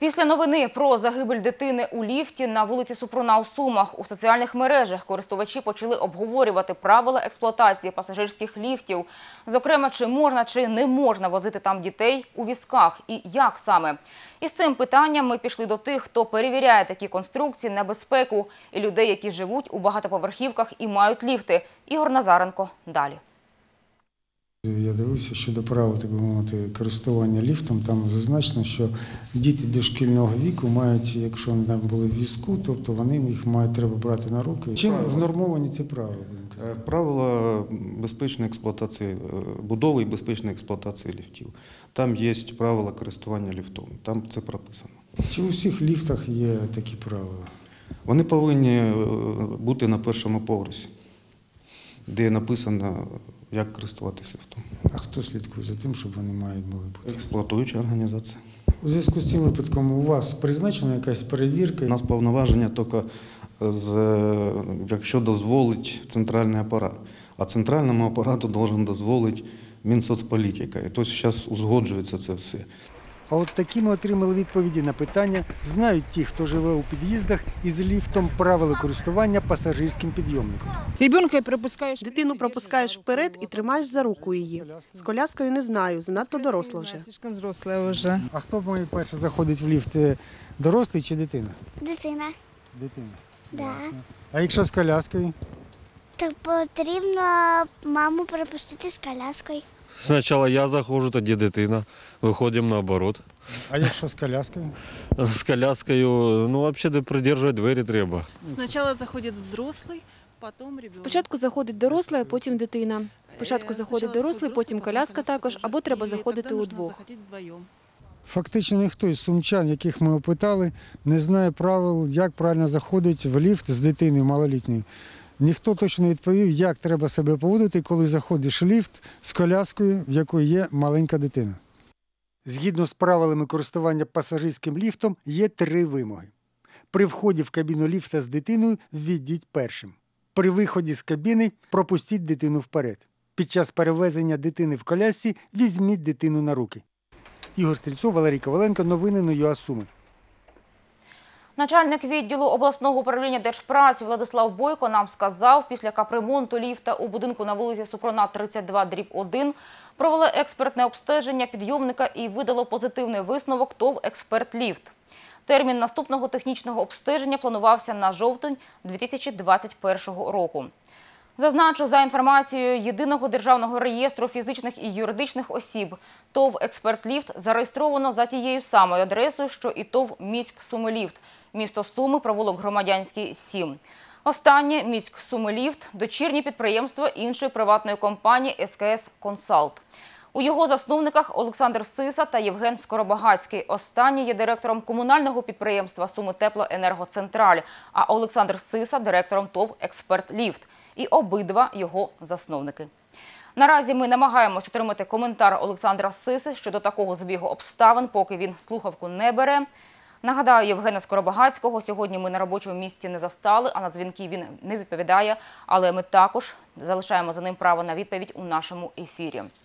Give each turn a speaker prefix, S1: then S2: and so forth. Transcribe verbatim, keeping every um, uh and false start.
S1: Після новини про загибель дитини у ліфті на вулиці Супруна у Сумах у соціальних мережах користувачі почали обговорювати правила експлуатації пасажирських ліфтів. Зокрема, чи можна, чи не можна возити там дітей у візках і як саме. Із цим питанням ми пішли до тих, хто перевіряє такі конструкції на безпеку і людей, які живуть у багатоповерхівках і мають ліфти. Ігор Назаренко далі.
S2: Я дивився щодо правил, так би мовити, користування ліфтом. Там зазначено, що діти дошкільного віку мають, якщо вони були в візку, тобто вони їх мають треба брати на руки. Чим внормовані ці правила?
S3: Правила безпечної експлуатації, будови і безпечної експлуатації ліфтів. Там є правила користування ліфтом, там це прописано.
S2: Чи у всіх ліфтах є такі правила?
S3: Вони повинні бути на першому поверсі, де написано, як користуватись ліфтом.
S2: А хто слідкує за тим, щоб вони мають були бути?
S3: Експлуатуюча організація.
S2: У зв'язку з цим випадком у вас призначена якась перевірка?
S3: У нас повноваження тільки, якщо дозволить центральний апарат. А центральному апарату має дозволити Мінсоцполітика. І тобто зараз узгоджується це все.
S2: А от такі ми отримали відповіді на питання, знають ті, хто живе у під'їздах із ліфтом, правила користування пасажирським підйомником.
S4: Дитину пропускаєш вперед і тримаєш за руку її. З коляскою не знаю, занадто доросла вже.
S2: А хто має перше заходить в ліфт, дорослий чи дитина?
S5: Дитина.
S2: Дитина.
S5: Да.
S2: А якщо з коляскою?
S5: То потрібно маму пропустити з коляскою.
S6: Спочатку я заходжу, тоді дитина. Виходимо наоборот.
S2: А якщо з коляскою?
S6: З коляскою, ну, взагалі, придержувати двері треба.
S7: Спочатку заходить взрослий, потім ребенок.
S8: Спочатку заходить дорослий, а потім дитина. Спочатку заходить дорослий, потім коляска також, або треба заходити удвох.
S2: Фактично ніхто із сумчан, яких ми опитали, не знає правил, як правильно заходить в ліфт з дитиною малолітньою. Ніхто точно не відповів, як треба себе поводити, коли заходиш в ліфт з коляскою, в якої є маленька дитина. Згідно з правилами користування пасажирським ліфтом, є три вимоги. При вході в кабіну ліфта з дитиною ввійдіть першим. При виході з кабіни пропустіть дитину вперед. Під час перевезення дитини в колясці візьміть дитину на руки. Ігор Стрільцов, Валерій Коваленко, новини на ЮА Суми.
S1: Начальник відділу обласного управління Держпраці Владислав Бойко нам сказав, після капремонту ліфта у будинку на вулиці Супруна тридцять два дріб один провели експертне обстеження підйомника і видало позитивний висновок ТОВ «Експертліфт». Термін наступного технічного обстеження планувався на жовтень дві тисячі двадцять першого року. Зазначу, за інформацією Єдиного державного реєстру фізичних і юридичних осіб, ТОВ «Експертліфт» зареєстровано за тією самою адресою, що і ТОВ «Міськсумиліфт», місто Суми, провулок Громадянський, сім. Останнє «Міськсумиліфт» – дочірнє підприємство іншої приватної компанії «ес ка ес Консалт». У його засновниках Олександр Сиса та Євген Скоробагацький. Останній є директором комунального підприємства «Сумитеплоенергоцентраль», а Олександр Сиса – директором ТОВ «Експертліфт». І обидва його засновники. Наразі ми намагаємося отримати коментар Олександра Сиси щодо такого збігу обставин, поки він слухавку не бере. Нагадаю, Євгена Скоробагацького сьогодні ми на робочому місці не застали, а на дзвінки він не відповідає, але ми також залишаємо за ним право на відповідь у нашому ефірі.